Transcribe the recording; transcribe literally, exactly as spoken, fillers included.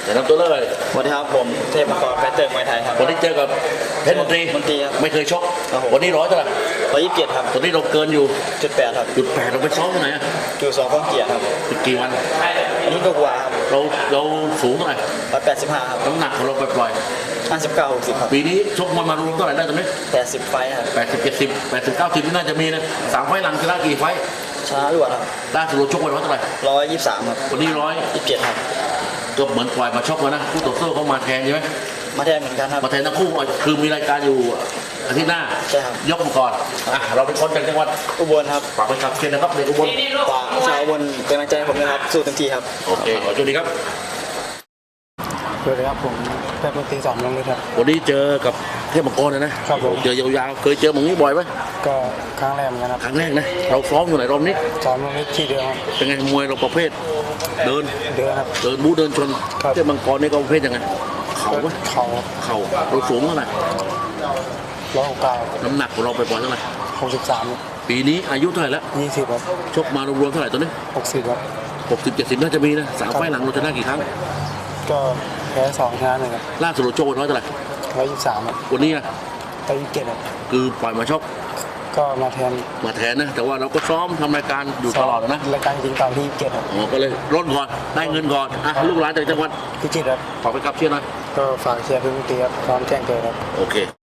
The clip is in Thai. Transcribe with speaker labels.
Speaker 1: เดี๋ยวทำตัวเลย
Speaker 2: สวัสดีครับผมเทพมังกรแฟเตอร์มวยไทยครับ
Speaker 1: วันนี้เจอกับเพชรมนตรี
Speaker 2: มนตรีครับ
Speaker 1: ไม่เคยชก
Speaker 2: ครับผม
Speaker 1: วันนี้ร้อยเท่าไหร่
Speaker 2: ร้อยยี่สิบเจ็ดครับ
Speaker 1: ตอนนี้เราเกินอยู่
Speaker 2: จุดแปดครับ
Speaker 1: จุดแปดเราไปซ้อมที่ไหนอะ
Speaker 2: คิวสองข้องเกียร์ครับ
Speaker 1: อีกกี่วัน
Speaker 2: อันนี้ก็กว่าครับ
Speaker 1: เราเราสูงเท่าไหร่
Speaker 2: ร้อยแปดสิบห้าครับ
Speaker 1: น้ำหนักของเราปล่อย
Speaker 2: ห้าสิบเก้าหกสิบครับ
Speaker 1: ๆปีนี้ชกมวยมารวมเท่าไหร่ได้ตอนนี้
Speaker 2: แปดสิบไฟครับ
Speaker 1: แปดสิบเจ็ดสิบแปดสิบเก้าสิบน่าจะมีนะสามไฟล์หลังชนะกี่ไฟล์
Speaker 2: ชนะรวดครับ
Speaker 1: ล่าสุดเราชกวันร้อยเท่าไหร่
Speaker 2: ร้อยยี่สิบสามครับ
Speaker 1: วันนี้ร้อย
Speaker 2: ยี่สิบเจ็ดครับ
Speaker 1: ก็เหมือนปล่อยมาชกแล้วนะคู่ต่อสู้เขามาแทนใช่ไหม
Speaker 2: มาแทนเหมือนกันครับ
Speaker 1: มาแทนทั้งคู่คือมีรายการอยู่อาทิตย์หน้า
Speaker 2: ใช่ครับ
Speaker 1: ยกมาก่อนอ่ะเราเป็นคนจากจังหวัด
Speaker 2: อุบลครับ
Speaker 1: ฝากไปขับเชียร์นะครับเด็กอุบล
Speaker 2: ฝากชาวอุบลเป็นกำลังใจให้ผมนะครับ สู้เต็มที่ครับ
Speaker 1: โอเคขอโชคดีครับ
Speaker 3: สวัสดีครับผมเพชรมนตรีสองลงเลยครับ
Speaker 1: วันนี้เจอกับเทพมังกรนะนะครับ
Speaker 3: ผม
Speaker 1: เจอยาวๆเคยเจอหมึงนี้บ่อยไหม
Speaker 3: ก็ครั้งแรกเหมือนกันครับ
Speaker 1: ครั้งแรกนะเราซ้อมอยู่ไหนรอบนี้
Speaker 3: ซ้อมลงนี้ที่เดียวครับ
Speaker 1: เป็นไงมวยเราประเภท เดิน
Speaker 3: เดือนครับ
Speaker 1: เดินบู๊เดินชน
Speaker 3: ครับ
Speaker 1: เทพมังกรนี่ก็ประเภทยังไงเข่าไหม
Speaker 3: เขา
Speaker 1: เข่าเราสูงเท่าไหร่
Speaker 3: ร้อยหกเก้า
Speaker 1: น้ำหนักของเราไปปล่อยเท่าไหร่
Speaker 3: หกสิบสาม
Speaker 1: ปีนี้อายุเท่าไหร่แล้ว
Speaker 3: ยี่สิบครับ
Speaker 1: ชกมารวมๆเท่าไหร่ตอนนี้
Speaker 3: หกสิบครับ
Speaker 1: หกสิบเจ็ดสิบน่าจะมีนะสามไฟล์หลังเราชนะกี่ครั้ง
Speaker 3: ก็แพ้สองชนะหนึ่งครับ
Speaker 1: ล่าสุดเราชกวันร้อยเท่าไหร่
Speaker 3: ร้อยยี่สิบสามครับ
Speaker 1: วันนี้อะ
Speaker 3: ร้อยยี่สิบเจ็ดครับ
Speaker 1: คือปล่อยมาชก
Speaker 3: ก็มาแทน
Speaker 1: มาแทนนะ แต่ว่าเราก็ซ้อมทำรายการอยู่ตลอดนะ
Speaker 3: รายการจริงตอนที่ยี่สิบเจ็ดครับ
Speaker 1: อ๋อก็เลยร่นก่อนได้เงินก่อนอ่ะลูกหลานจากจังหวัด
Speaker 3: พิจิตรครับ
Speaker 1: ขอไปกับเชียร์หน่อย
Speaker 3: ก็ฝากเชียร์เพชรมนตรีครับพร้อมแจ้งเกิดครับ
Speaker 1: โอเค